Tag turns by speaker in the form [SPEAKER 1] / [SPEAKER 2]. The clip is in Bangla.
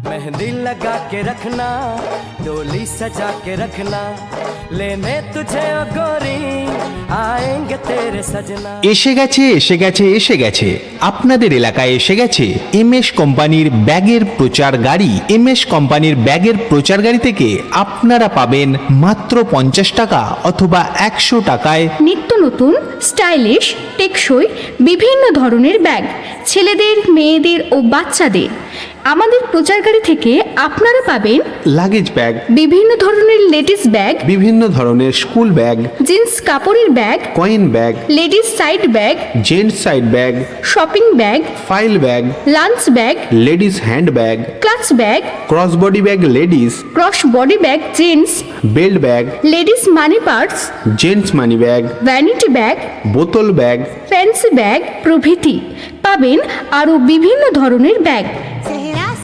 [SPEAKER 1] मेहंदी लगा के रखना, डोली सजा के रखना, लेने तुझे ओ गोरी आएंगे तेरे सजना।
[SPEAKER 2] এসে গেছে আপনাদের এলাকায় এসে গেছে এমএস কোম্পানির ব্যাগের প্রচার গাড়ি। এমএস কোম্পানির ব্যাগের প্রচার গাড়ি থেকে আপনারা পাবেন মাত্র 50 টাকা অথবা 100 টাকায়
[SPEAKER 3] নিত্য নতুন স্টাইলিশ টেকসই বিভিন্ন ধরনের ব্যাগ, ছেলেদের, মেয়েদের ও বাচ্চাদের। আমাদের প্রচার গাড়ি থেকে আপনারা পাবেন
[SPEAKER 2] লাগেজ ব্যাগ,
[SPEAKER 3] বিভিন্ন ধরনের লেডিস ব্যাগ,
[SPEAKER 2] বিভিন্ন ধরনের স্কুল ব্যাগ,
[SPEAKER 3] জিন্স কাপড়ের bag,
[SPEAKER 2] coin bag,
[SPEAKER 3] ladies side bag,
[SPEAKER 2] gents side bag,
[SPEAKER 3] shopping bag,
[SPEAKER 2] file bag,
[SPEAKER 3] lunch bag,
[SPEAKER 2] ladies hand bag,
[SPEAKER 3] clutch bag,
[SPEAKER 2] cross body bag ladies,
[SPEAKER 3] cross body bag gents,
[SPEAKER 2] belt bag,
[SPEAKER 3] ladies money purse,
[SPEAKER 2] gents money bag,
[SPEAKER 3] vanity bag,
[SPEAKER 2] বোতল ব্যাগ,
[SPEAKER 3] ফ্যান্সি ব্যাগ প্রভৃতি। পাবেন আরও বিভিন্ন ধরনের ব্যাগ।